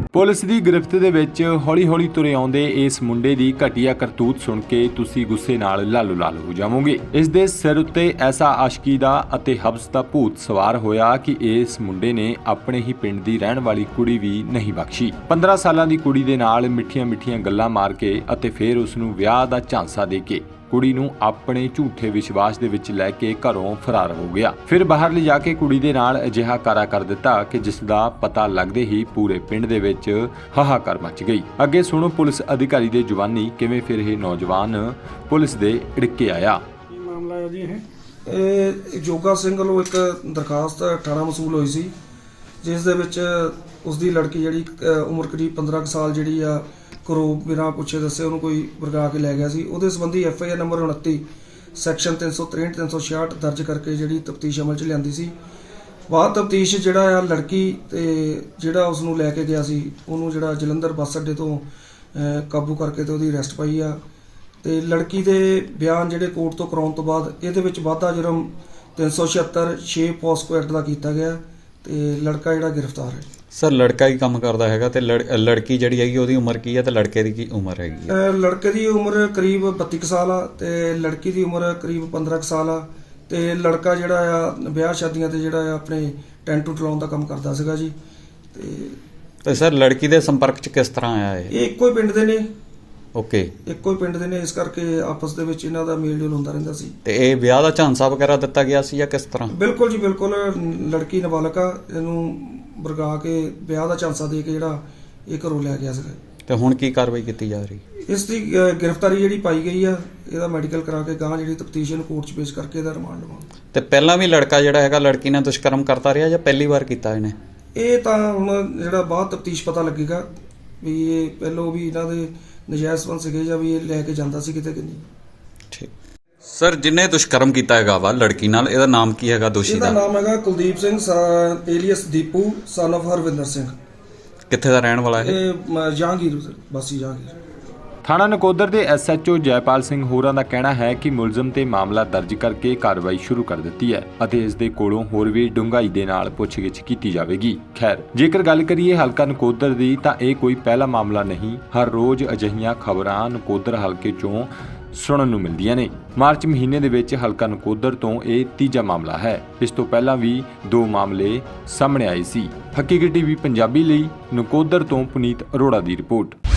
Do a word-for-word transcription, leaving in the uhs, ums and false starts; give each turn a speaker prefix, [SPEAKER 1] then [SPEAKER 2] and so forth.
[SPEAKER 1] Police ਦੀ ਗਿਰਫਤ ਦੇ ਵਿੱਚ ਹੌਲੀ-ਹੌਲੀ ਤੁਰੇ ਆਉਂਦੇ ਇਸ ਮੁੰਡੇ ਦੀ ਘਟੀਆ ਕਰਤੂਤ ਸੁਣ ਕੇ ਤੁਸੀਂ ਗੁੱਸੇ ਨਾਲ ਲਾਲੋ-ਲਾਲ ਹੋ ਜਾਵੋਗੇ। ਇਸ ਦੇ ਸਿਰ ਉੱਤੇ ਐਸਾ ਆਸ਼ਕੀ ਦਾ ਅਤੇ ਹਬਸ ਦਾ ਭੂਤ ਸਵਾਰ ਹੋਇਆ ਕਿ ਇਸ ਮੁੰਡੇ ਨੇ ਆਪਣੇ ਹੀ ਪਿੰਡ ਦੀ ਰਹਿਣ ਵਾਲੀ ਕੁੜੀ ਵੀ ਨਹੀਂ ਬਖਸ਼ੀ। ਪੰਦਰਾਂ ਸਾਲਾਂ ਦੀ ਕੁੜੀ ਦੇ ਨਾਲ ਮਿੱਠੀਆਂ-ਮਿੱਠੀਆਂ ਗੱਲਾਂ ਮਾਰ ਕੇ ਅਤੇ ਫਿਰ ਉਸ ਨੂੰ ਵਿਆਹ ਦਾ ਝਾਂਸਾ ਦੇ ਕੇ ਕੁੜੀ ਨੂੰ ਆਪਣੇ ਝੂਠੇ ਵਿਸ਼ਵਾਸ ਦੇ ਵਿੱਚ ਲੈ ਕੇ ਘਰੋਂ ਫਰਾਰ ਹੋ ਗਿਆ। ਫਿਰ ਬਾਹਰ ਲਿਜਾ ਕੇ ਕੁੜੀ ਦੇ ਨਾਲ ਅਜਿਹਾ ਕਾਰਾ ਕਰ ਦਿੱਤਾ ਕਿ ਜਿਸ ਦਾ ਪਤਾ ਲੱਗਦੇ ਹੀ ਪੂਰੇ ਪਿੰਡ ਦੇ ਵਿੱਚ ਹਾਹਾਕਾਰ ਮਚ ਗਈ। ਅੱਗੇ ਸੁਣੋ ਪੁਲਿਸ ਅਧਿਕਾਰੀ ਦੇ ਜ਼ੁਬਾਨੀ ਕਿਵੇਂ ਫਿਰ ਇਹ ਨੌਜਵਾਨ ਪੁਲਿਸ ਦੇ ਢਿੱਕੇ ਆਇਆ।
[SPEAKER 2] ਕੀ ਮਾਮਲਾ ਹੈ ਜੀ? ਇਹ ਇਹ ਜੋਗਾ ਸਿੰਘ ਵੱਲੋਂ ਇੱਕ ਦਰਖਾਸਤ ਥਾਣਾ ਮਸੂਲ ਹੋਈ ਸੀ, ਜਿਸ ਦੇ ਵਿੱਚ ਉਸ ਦੀ ਲੜਕੀ ਜਿਹੜੀ ਉਮਰ ਕਰੀਬ ਪੰਦਰਾਂ ਸਾਲ ਜਿਹੜੀ ਆ ਘਰੋਂ ਬਿਨਾਂ ਪੁੱਛੇ ਦੱਸੇ ਉਹਨੂੰ ਕੋਈ ਵਰਗਾ ਕੇ ਲੈ ਗਿਆ ਸੀ। ਉਹਦੇ ਸੰਬੰਧੀ ਐਫ ਆਈ ਆਰ ਨੰਬਰ ਉਨੱਤੀ ਸੈਕਸ਼ਨ ਤਿੰਨ ਸੌ ਤਰੇਹਠ ਤਿੰਨ ਸੌ ਛਿਆਹਠ ਦਰਜ ਕਰਕੇ ਜਿਹੜੀ ਤਫਤੀਸ਼ ਅਮਲ 'ਚ ਲਿਆਂਦੀ ਸੀ। ਬਾਅਦ ਤਫਤੀਸ਼ ਜਿਹੜਾ ਆ ਲੜਕੀ ਤੇ ਜਿਹੜਾ ਉਸ ਨੂੰ ਲੈ ਕੇ ਗਿਆ ਸੀ ਉਹਨੂੰ ਜਿਹੜਾ ਜਲੰਧਰ ਬੱਸ ਅੱਡੇ ਤੋਂ ਕਾਬੂ ਕਰਕੇ ਤੇ ਉਹਦੀ ਅਰੈਸਟ ਪਾਈ ਆ। ਤੇ ਲੜਕੀ ਦੇ ਬਿਆਨ ਜਿਹੜੇ ਕੋਰਟ ਤੋਂ ਕਰਾਉਣ ਤੋਂ ਬਾਅਦ ਇਹਦੇ ਵਿੱਚ ਵਾਧਾ ਜੁਰਮ ਤਿੰਨ ਸੌ ਛਿਹੱਤਰ ਛੇ ਪੋਸਕੋ ਐਕਟ ਦਾ ਕੀਤਾ ਗਿਆ ਤੇ ਲੜਕਾ ਜਿਹੜਾ ਗ੍ਰਿਫਤਾਰ ਹੈ।
[SPEAKER 3] ਸਰ ਲੜਕਾ ਹੀ ਕੰਮ ਕਰਦਾ ਹੈਗਾ ਤੇ ਲੜਕੀ ਜਿਹੜੀ ਹੈਗੀ ਉਹਦੀ ਉਮਰ ਕੀ ਹੈ ਤੇ ਲੜਕੇ ਦੀ ਕੀ ਉਮਰ ਹੈਗੀ ਹੈ?
[SPEAKER 2] ਲੜਕੇ ਦੀ ਉਮਰ ਕਰੀਬ ਬੱਤੀ ਕੁ ਸਾਲ ਆ ਤੇ ਲੜਕੀ ਦੀ ਉਮਰ ਕਰੀਬ ਪੰਦਰਾਂ ਕੁ ਸਾਲ ਆ ਤੇ ਲੜਕਾ ਜਿਹੜਾ ਆ ਵਿਆਹ ਸ਼ਾਦੀਆਂ ਤੇ ਜਿਹੜਾ ਆ ਆਪਣੇ ਟੈਂਟ ਟੂਟ ਲਾਉਣ ਦਾ ਕੰਮ ਕਰਦਾ ਸੀਗਾ ਜੀ। ਤੇ
[SPEAKER 3] ਤੇ ਸਰ ਲੜਕੀ ਦੇ ਸੰਪਰਕ 'ਚ ਕਿਸ ਤਰ੍ਹਾਂ ਆਇਆ ਇਹ?
[SPEAKER 2] ਇਹ ਇੱਕੋ ਹੀ ਪਿੰਡ ਦੇ ਨੇ।
[SPEAKER 3] ਓਕੇ,
[SPEAKER 2] ਇੱਕੋ ਹੀ ਪਿੰਡ ਦੇ ਨੇ, ਇਸ ਕਰਕੇ ਆਪਸ ਦੇ ਵਿੱਚ ਇਹਨਾਂ ਦਾ ਮੇਲ ਜੋਲ ਹੁੰਦਾ ਰਹਿੰਦਾ ਸੀ।
[SPEAKER 3] ਤੇ ਇਹ ਵਿਆਹ ਦਾ ਝਾਂਸਾ ਵਗੈਰਾ ਦਿੱਤਾ ਗਿਆ ਸੀ ਜਾਂ ਕਿਸ ਤਰ੍ਹਾਂ?
[SPEAKER 2] ਬਿਲਕੁਲ ਜੀ ਬਿਲਕੁਲ, ਲੜਕੀ ਨਾਬਾਲਗ ਆ, ਇਹਨੂੰ ਵਰਗਾ ਕੇ ਵਿਆਹ ਦਾ ਝਾਂਸਾ ਦੇ ਕੇ ਜਿਹੜਾ ਇਹ ਘਰੋਂ ਲੈ ਗਿਆ ਸੀਗਾ।
[SPEAKER 3] ਤੇ ਹੁਣ ਕੀ ਕਾਰਵਾਈ ਕੀਤੀ ਜਾ ਰਹੀ?
[SPEAKER 2] ਇਸ ਦੀ ਗ੍ਰਿਫਤਾਰੀ ਜਿਹੜੀ ਪਾਈ ਗਈ ਆ, ਇਹਦਾ ਮੈਡੀਕਲ ਕਰਾ ਕੇ ਗਾਂ ਜਿਹੜੀ ਤਫਤੀਸ਼ ਨੂੰ ਕੋਰਟ 'ਚ ਪੇਸ਼ ਕਰਕੇ ਇਹਦਾ ਰਿਮਾਂਡ ਲਵਾਂਗੇ। ਤੇ
[SPEAKER 3] ਪਹਿਲਾਂ ਵੀ ਲੜਕਾ ਜਿਹੜਾ ਹੈਗਾ ਲੜਕੀ ਨਾਲ ਦੁਸ਼ਕਰਮ ਕਰਦਾ ਰਿਹਾ ਜਾਂ ਪਹਿਲੀ ਵਾਰ ਕੀਤਾ ਇਹਨੇ?
[SPEAKER 2] ਇਹ ਤਾਂ ਹੁਣ ਜਿਹੜਾ ਬਾਅਦ ਤਫਤੀਸ਼ ਪਤਾ ਲੱਗੇਗਾ ਵੀ ਇਹ ਪਹਿਲੋਂ ਵੀ ਇਹਨਾਂ ਦੇ ਨਜਾਇਜ਼ ਸੰਬੰਧ ਸੀਗੇ ਜਾਂ ਵੀ ਇਹ ਲੈ ਕੇ ਜਾਂਦਾ ਸੀ ਕਿਤੇ ਕਿ ਨਹੀਂ।
[SPEAKER 3] ਠੀਕ ਸਰ, ਜਿਹਨੇ ਦੁਸ਼ਕਰਮ ਕੀਤਾ ਹੈਗਾ ਵਾ ਲੜਕੀ ਨਾਲ, ਇਹਦਾ ਨਾਮ ਕੀ ਹੈਗਾ ਦੋਸ਼ੀ ਦਾ?
[SPEAKER 2] ਇਹਦਾ ਨਾਮ ਹੈਗਾ Kuldeep Singh alias Deepu son of Harvinder Singh.
[SPEAKER 3] ਕਿੱਥੇ ਦਾ ਰਹਿਣ ਵਾਲਾ ਹੈ
[SPEAKER 2] ਇਹ? ਜਹਾਂਗੀਰ, ਬਾਸੀ ਜਹਾਂਗੀਰ।
[SPEAKER 1] ਥਾਣਾ ਨਕੋਦਰ ਦੇ S H O Jaipal Singh ਹੋਰਾਂ ਦਾ ਕਹਿਣਾ ਹੈ ਕਿ ਮੁਲਜ਼ਮ ਤੇ ਮਾਮਲਾ ਦਰਜ ਕਰਕੇ ਕਾਰਵਾਈ ਸ਼ੁਰੂ ਕਰ ਦਿੱਤੀ ਹੈ ਅਤੇ ਇਸ ਦੇ ਕੋਲੋਂ ਹੋਰ ਵੀ ਡੂੰਘਾਈ ਦੇ ਨਾਲ ਪੁੱਛਗਿੱਛ ਕੀਤੀ ਜਾਵੇਗੀ। ਖੈਰ, ਜੇਕਰ ਗੱਲ ਕਰੀਏ ਹਲਕਾ ਨਕੋਦਰ ਦੀ ਤਾਂ ਇਹ ਕੋਈ ਪਹਿਲਾ ਮਾਮਲਾ ਨਹੀਂ। ਹਰ ਰੋਜ਼ ਅਜਿਹੀਆਂ ਖਬਰਾਂ ਨਕੋਦਰ ਹਲਕੇ ਚੋਂ ਸੁਣਨ ਨੂੰ ਮਿਲਦੀਆਂ ਨੇ। ਮਾਰਚ ਮਹੀਨੇ ਦੇ ਵਿੱਚ ਹਲਕਾ ਨਕੋਦਰ ਤੋਂ ਇਹ ਤੀਜਾ ਮਾਮਲਾ ਹੈ। ਇਸ ਤੋਂ ਪਹਿਲਾਂ ਵੀ ਦੋ ਮਾਮਲੇ ਸਾਹਮਣੇ ਆਏ ਸੀ। ਹਕੀਕਤ ਟੀਵੀ ਪੰਜਾਬੀ ਲਈ ਨਕੋਦਰ ਤੋਂ ਪੁਨੀਤ ਅਰੋੜਾ ਦੀ ਰਿਪੋਰਟ।